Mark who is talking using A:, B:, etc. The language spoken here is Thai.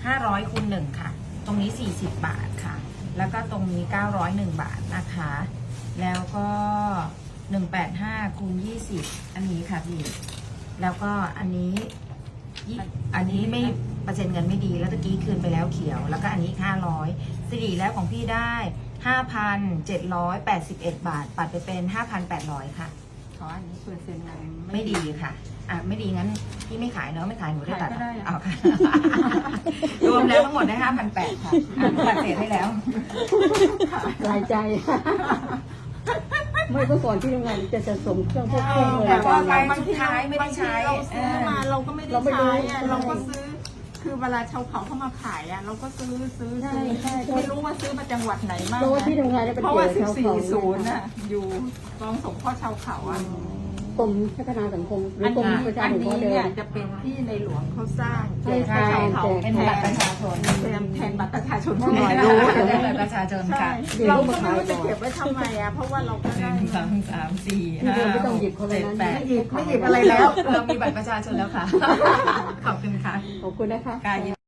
A: 500คูณ1ค่ะตรงนี้40บาทค่ะแล้วก็ตรงนี้901บาทนะคะแล้วก็185คูณ20อันนี้ค่ะพี่แล้วก็อันนี้ไม่เปอร์เซ็นต์เงินไม่ดีแล้วตะกี้คืนไปแล้วเขียวแล้วก็อันนี้500สิริแล้วของพี่ได้5,781 บาทปัดไปเป็น5,800ค่ะ
B: ขออันนี้เปอร์เซ็นต์เงิน
A: ไม่ดีค่ะไม่ดีงั้นพี่ไม่ขายเนาะไม่ขายหนูได้ตัดเอาค่ะ รวมแล้วทั้งหมดได้5,800ค่ะตัดเศษให้แล้ว
C: หลายใจ ไม่เมื่อก่อนที่ทำงานจะสะสมเครื่องพวกเครื่องมือ
A: แต่ว่า
C: การ
A: บางทีไม่ได้ใช้
B: เราซื้อมาเราก็ไม่ได้ใช้เราก็ซื้อคือเวลาชาวเขาเข้ามาขายเราก็ซื้อไม่รู้ว่าซื้อมาจังหวัดไหนมาก
C: เพราะว่าที่ทำงานเนี่ยเป็น
B: เพราะ
C: เกี่ย
B: ว่าว
C: กับชาวเขา
B: 440น่ะอยู่กองสงเคราะห์ชาวเขา
C: กรมพัฒนาสังคมหรือกรมประชา
B: อัน
C: สังค
B: นี้
C: มเดิ
B: เนี่ย
C: ม
B: จะเป็นที่ในหลวงเขาสร้าง
C: ใช่
B: ชาวเขา
A: เป็นบัตรประชาชน
B: แทนบัตรประชาชน
A: หน่อยรู้เป็นบัตรประชาชนค่ะ
B: เราก็ไม่รู้จะเก็บไว้ทำไมเพราะว่าเราก็ได้
A: 1 2 3 4
C: ที่
A: 5
C: เราไม่ต้องหยิบคนละ
A: 7
C: นั้น
A: 8
B: ไม่หยิบอะไรแล้ว
A: เรามีบัตรประชาชนแล้วค่ะ ขอบคุณค่ะ
C: ขอบคุณนะคะ